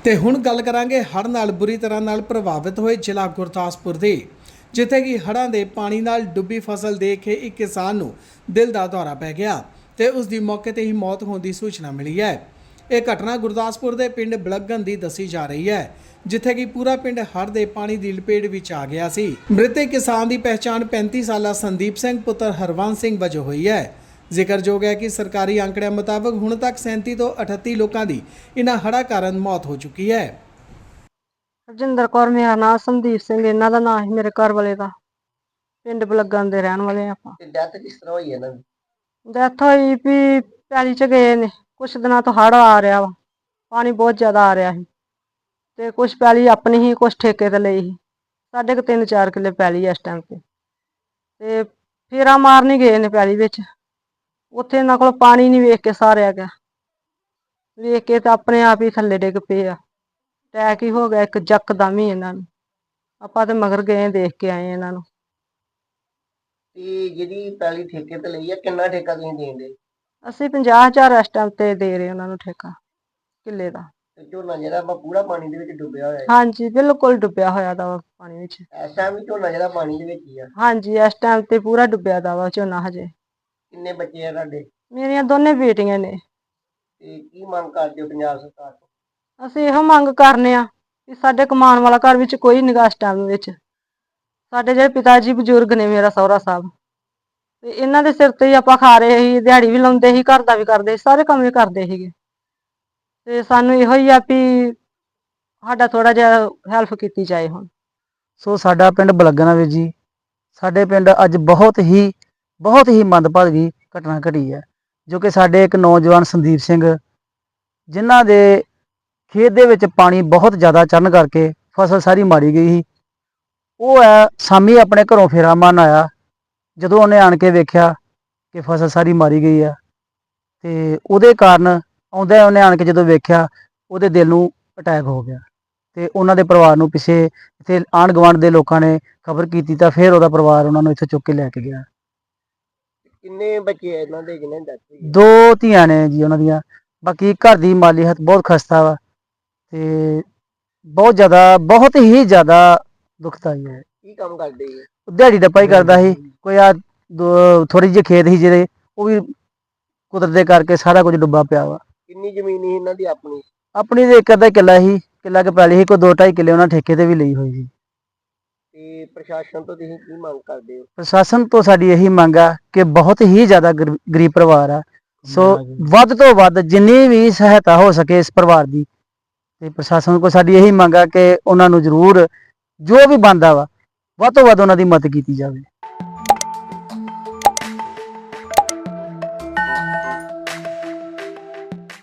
ਤੇ ਹੁਣ ਗੱਲ ਕਰਾਂਗੇ ਹੜ੍ਹ ਨਾਲ ਬੁਰੀ ਤਰ੍ਹਾਂ ਨਾਲ ਪ੍ਰਭਾਵਿਤ ਹੋਏ ਜ਼ਿਲ੍ਹਾ ਗੁਰਦਾਸਪੁਰ ਦੀ, ਜਿੱਥੇ ਕਿ ਹੜ੍ਹਾਂ ਦੇ ਪਾਣੀ ਨਾਲ ਡੁੱਬੀ ਫਸਲ ਦੇਖ ਕੇ ਇੱਕ ਕਿਸਾਨ ਨੂੰ ਦਿਲ ਦਾ ਦੌਰਾ ਪੈ ਗਿਆ ਤੇ ਉਸ ਦੀ ਮੌਕੇ ਤੇ ਹੀ ਮੌਤ ਹੋਣ ਦੀ ਸੂਚਨਾ ਮਿਲੀ ਹੈ। ਇਹ ਘਟਨਾ ਗੁਰਦਾਸਪੁਰ ਦੇ ਪਿੰਡ ਬਲਗਨ ਦੀ ਦੱਸੀ ਜਾ ਰਹੀ ਹੈ, ਜਿੱਥੇ ਕਿ ਪੂਰਾ ਪਿੰਡ ਹੜ੍ਹ ਦੇ ਪਾਣੀ ਦੀ ਲਪੇਟ ਵਿੱਚ ਆ ਗਿਆ ਸੀ। ਮ੍ਰਿਤਕ ਕਿਸਾਨ ਦੀ ਪਹਿਚਾਣ 35 ਸਾਲਾ ਸੰਦੀਪ ਸਿੰਘ ਪੁੱਤਰ ਹਰਵੰਸ ਸਿੰਘ ਵਜੋਂ ਹੋਈ ਹੈ। ਜ਼ਿਕਰਯੋਗ ਹੈ ਕਿ ਸਰਕਾਰੀ ਅੰਕੜਿਆਂ ਮੁਤਾਬਕ ਹੁਣ ਤੱਕ 37 ਤੋਂ 38 ਲੋਕਾਂ ਦੀ ਇਨ੍ਹਾਂ ਹੜ੍ਹਾਂ ਕਾਰਨ ਮੌਤ ਹੋ ਚੁੱਕੀ ਹੈ। ਰਜਿੰਦਰ ਕੌਰ ਮੇਰਾ ਨਾਮ, ਸੰਦੀਪ ਸਿੰਘ ਇਹਨਾਂ ਦਾ ਨਾਮ ਸੀ, ਮੇਰੇ ਘਰ ਵਾਲੇ ਦਾ। ਪਿੰਡ ਬਲੱਗਣ ਦੇ ਰਹਿਣ ਵਾਲੇ ਆਪਾਂ। ਤੇ ਡੈਥ ਕਿਸ ਤਰ੍ਹਾਂ ਹੋਈ ਇਹਨਾਂ ਦੀ? ਡੈਥ ਹੋਈ ਵੀ ਪੈਲੀ ਚ ਗਏ ਨੇ, ਕੁਛ ਦਿਨਾਂ ਤੋਂ ਹੜ੍ਹ ਆ ਰਿਹਾ ਵਾ, ਪਾਣੀ ਬਹੁਤ ਜ਼ਿਆਦਾ ਆ ਰਿਹਾ ਸੀ ਤੇ ਕੁਛ ਪੈਲੀ ਆਪਣੀ ਹੀ, ਕੁਛ ਠੇਕੇ ਤੇ ਲਈ ਸੀ। ਸਾਡੇ ਕੋ 3-4 ਕਿੱਲੇ ਪੈਲੀ ਇਸ ਟਾਈਮ ਤੇ ਫੇਰਾ ਮਾਰਨ ਹੀ ਗਏ ਨੇ ਪੈਲੀ ਵਿੱਚ। ਉੱਥੇ ਇਹਨਾਂ ਕੋਲ ਪਾਣੀ ਨਹੀਂ ਵੇਖ ਕੇ ਸਾਰਿਆ ਗਿਆ, ਵੇਖ ਕੇ ਤਾਂ ਆਪਣੇ ਆਪ ਹੀ ਥੱਲੇ ਡਿੱਗ ਪਏ ਆ। ਅਟੈਕ ਹੀ ਹੋ ਗਿਆ ਇੱਕ ਯਕਦਮ ਹੀ ਇਹਨਾਂ ਨੂੰ। ਆਪਾਂ ਤੇ ਮਗਰ ਗਏ, ਦੇਖ ਕੇ ਆਏ ਇਹਨਾਂ ਨੂੰ। ਤੇ ਜਿਹੜੀ ਪੈਲੀ ਠੇਕੇ ਤੇ ਲਈ ਆ, ਕਿੰਨਾ ਠੇਕਾ ਤੁਸੀਂ ਦੇਂਦੇ? ਅਸੀਂ 50,000 ਇਸ ਟਾਈਮ ਤੇ ਦੇ ਰਹੇ ਉਹਨਾਂ ਨੂੰ ਠੇਕਾ ਕਿੱਲੇ ਦਾ। ਤੇ ਝੋਨਾ ਜਿਹੜਾ ਆਪਾਂ ਪੂਰਾ ਪਾਣੀ ਦੇ ਵਿੱਚ ਡੁੱਬਿਆ ਹੋਇਆ ਹੈ? ਹਾਂਜੀ, ਬਿਲਕੁਲ ਡੁੱਬਿਆ ਹੋਇਆ ਦਾ ਵਾ ਪਾਣੀ ਵਿੱਚ। ਇਸ ਟਾਈਮ ਵੀ ਝੋਨਾ ਜਿਹੜਾ ਪਾਣੀ ਦੇ ਵਿੱਚ ਹੀ ਆ? ਹਾਂਜੀ, ਇਸ ਟਾਈਮ ਤੇ ਪੂਰਾ ਡੁੱਬਿਆ ਦਾ ਵਾ ਝੋਨਾ ਹਜੇ। ਕਿੰਨੇ ਬੱਚੇ ਆ ਤੁਹਾਡੇ? ਮੇਰੀਆਂ ਦੋਨੇ ਬੇਟੀਆਂ ਨੇ। ਤੇ ਕੀ ਮੰਗ ਕਰਦੇ ਹੋ ਪੰਜਾਬ ਸਰਕਾਰ ਤੋਂ? ਅਸੀਂ ਇਹੋ ਮੰਗ ਕਰਨੇ ਆ ਕਿ ਸਾਡੇ ਕਮਾਉਣ ਵਾਲਾ ਘਰ ਵਿੱਚ ਕੋਈ ਨਿਗਾਹ ਇਸ ਟਾਈਮ ਵਿੱਚ। ਸਾਡੇ ਜਿਹੜੇ ਪਿਤਾ ਜੀ ਬਜ਼ੁਰਗ ਨੇ, ਮੇਰਾ ਸਹੁਰਾ ਸਾਹਿਬ, ਤੇ ਇਹਨਾਂ ਦੇ ਸਿਰ ਤੇ ਹੀ ਆਪਾਂ ਖਾ ਰਹੇ ਸੀ। ਦਿਹਾੜੀ ਵੀ ਲਾਉਂਦੇ ਸੀ, ਘਰ ਦਾ ਵੀ ਕਰਦੇ ਸੀ, ਸਾਰੇ ਕੰਮ ਵੀ ਕਰਦੇ ਸੀਗੇ। ਤੇ ਸਾਨੂੰ ਇਹੋ ਹੀ ਆ ਵੀ ਸਾਡਾ ਥੋੜਾ ਜਿਹਾ ਹੈਲਪ ਕੀਤੀ ਜਾਏ ਹੁਣ। ਸੋ ਸਾਡਾ ਪਿੰਡ ਬਲਗਣਾ ਵੀਰ ਜੀ, ਸਾਡੇ ਪਿੰਡ ਅੱਜ ਬਹੁਤ ਹੀ ਮੰਦਭਾਗੀ ਘਟਨਾ ਘਟੀ ਹੈ, ਜੋ ਕਿ ਸਾਡੇ ਇੱਕ ਨੌਜਵਾਨ ਸੰਦੀਪ ਸਿੰਘ, ਜਿਨ੍ਹਾਂ ਦੇ ਖੇਤ ਦੇ ਵਿੱਚ ਪਾਣੀ ਬਹੁਤ ਜ਼ਿਆਦਾ ਚੜ੍ਹਨ ਕਰਕੇ ਫਸਲ ਸਾਰੀ ਮਾਰੀ ਗਈ ਸੀ। ਉਹ ਹੈ ਸ਼ਾਮੀ ਆਪਣੇ ਘਰੋਂ ਫੇਰਾ ਮਾਰਨ ਆਇਆ, ਜਦੋਂ ਉਹਨੇ ਆਣ ਕੇ ਵੇਖਿਆ ਕਿ ਫਸਲ ਸਾਰੀ ਮਾਰੀ ਗਈ ਆ, ਤੇ ਉਹਦੇ ਕਾਰਨ ਆਉਂਦਾ ਉਹਨੇ ਆਣ ਕੇ ਜਦੋਂ ਵੇਖਿਆ, ਉਹਦੇ ਦਿਲ ਨੂੰ ਅਟੈਕ ਹੋ ਗਿਆ। ਤੇ ਉਹਨਾਂ ਦੇ ਪਰਿਵਾਰ ਨੂੰ ਪਿੱਛੇ ਇੱਥੇ ਆਂਢ ਗੁਆਂਢ ਦੇ ਲੋਕਾਂ ਨੇ ਖਬਰ ਕੀਤੀ, ਤਾਂ ਫਿਰ ਉਹਦਾ ਪਰਿਵਾਰ ਉਹਨਾਂ ਨੂੰ ਇੱਥੇ ਚੁੱਕ ਕੇ ਲੈ ਕੇ ਗਿਆ। ਕਿੰਨੇ ਬੱਚੇ ਆ ਇਹਨਾਂ ਦੇ ਜਿਹਨਾਂ ਦੀ ਡੈਥ ਹੋਈ ਹੈ? 2 ਧੀਆਂ ਨੇ ਜੀ ਉਹਨਾਂ ਦੀਆਂ। ਬਾਕੀ ਘਰ ਦੀ ਮਾਲੀ ਹਾਲਤ ਬਹੁਤ ਖਸਤਾ ਵਾ ਤੇ ਬਹੁਤ ਹੀ ਜ਼ਿਆਦਾ ਦੁਖਦਾਈ ਹੈ। ਕੀ ਕੰਮ ਕਰਦੇ ਜੀ? ਦਿਹਾੜੀ ਡੱਪਾ ਹੀ ਕਰਦਾ ਸੀ। ਕੋਈ ਆ ਥੋੜੀ ਜਿਹੀ ਖੇਤ ਸੀ ਜਿਹੜੇ, ਉਹ ਵੀ ਕੁਦਰਤ ਦੇ ਕਰਕੇ ਸਾਰਾ ਕੁਝ ਡੁੱਬਾ ਪਿਆ ਵਾ। ਕਿੰਨੀ ਜ਼ਮੀਨ ਸੀ ਇਹਨਾਂ ਦੀ ਆਪਣੀ? ਆਪਣੀ ਦੇ ਇੱਕ ਅੱਧਾ ਕਿੱਲਾ ਸੀ, ਕਿੱਲਾ ਕੁ ਪੈਲੀ ਸੀ, ਕੋਈ 2-2.5 ਕਿੱਲੇ ਉਹਨਾਂ ਠੇਕੇ ਤੇ ਵੀ ਲਈ ਹੋਈ ਸੀ। ਤੇ ਪ੍ਰਸ਼ਾਸਨ ਤੋਂ ਤੁਸੀਂ ਕੀ ਮੰਗ ਕਰਦੇ ਹੋ? ਪ੍ਰਸ਼ਾਸਨ ਤੋਂ ਸਾਡੀ ਇਹੀ ਮੰਗ ਆ ਕਿ ਬਹੁਤ ਹੀ ਜ਼ਿਆਦਾ ਗਰੀਬ ਪਰਿਵਾਰ ਆ, ਸੋ ਵੱਧ ਤੋਂ ਵੱਧ ਜਿੰਨੀ ਵੀ ਸਹਾਇਤਾ ਹੋ ਸਕੇ ਇਸ ਪਰਿਵਾਰ ਦੀ, ਤੇ ਪ੍ਰਸ਼ਾਸਨ ਕੋਲ ਸਾਡੀ ਇਹੀ ਮੰਗ ਆ ਕਿ ਉਹਨਾਂ ਨੂੰ ਜ਼ਰੂਰ ਜੋ ਵੀ ਬਣਦਾ ਵਾ, ਵੱਧ ਤੋਂ ਵੱਧ ਉਹਨਾਂ ਦੀ ਮਦਦ ਕੀਤੀ ਜਾਵੇ।